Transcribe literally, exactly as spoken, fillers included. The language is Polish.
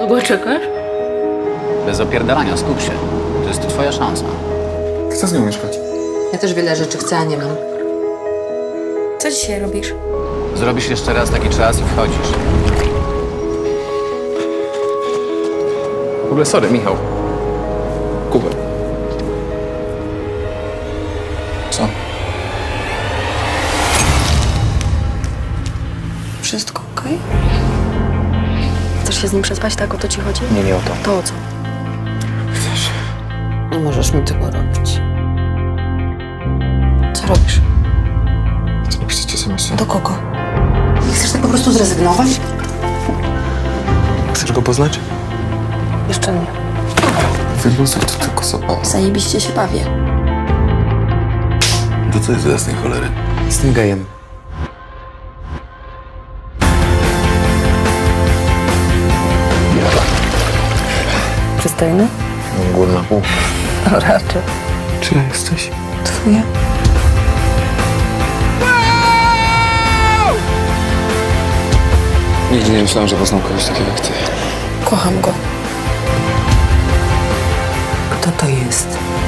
Długo czekasz? Bez opierdalania, skup się. To jest twoja szansa. Chcę z nią mieszkać. Ja też wiele rzeczy chcę, a nie mam. Co dzisiaj robisz? Zrobisz jeszcze raz taki czas i wchodzisz. W ogóle sorry, Michał. Kubę. Co? Wszystko okej? Chcesz się z nim przespać, tak? O to ci chodzi? Nie, nie o to. To o co? Chcesz? Nie możesz mi tego robić. Co robisz? Chcę napisać es em es a. Do kogo? Nie chcesz tak po prostu zrezygnować? Chcesz go poznać? Jeszcze nie. Wyluzuj, to tylko zabawa. Zajebiście się bawię. To co jest za jasnej cholery? Z tym gejem. Przystojny? Górna półka. No raczej. Czyja jesteś? Twoja? Nigdy nie myślałem, że poznam kogoś takiego jak ty. Kocham go. Kto to jest?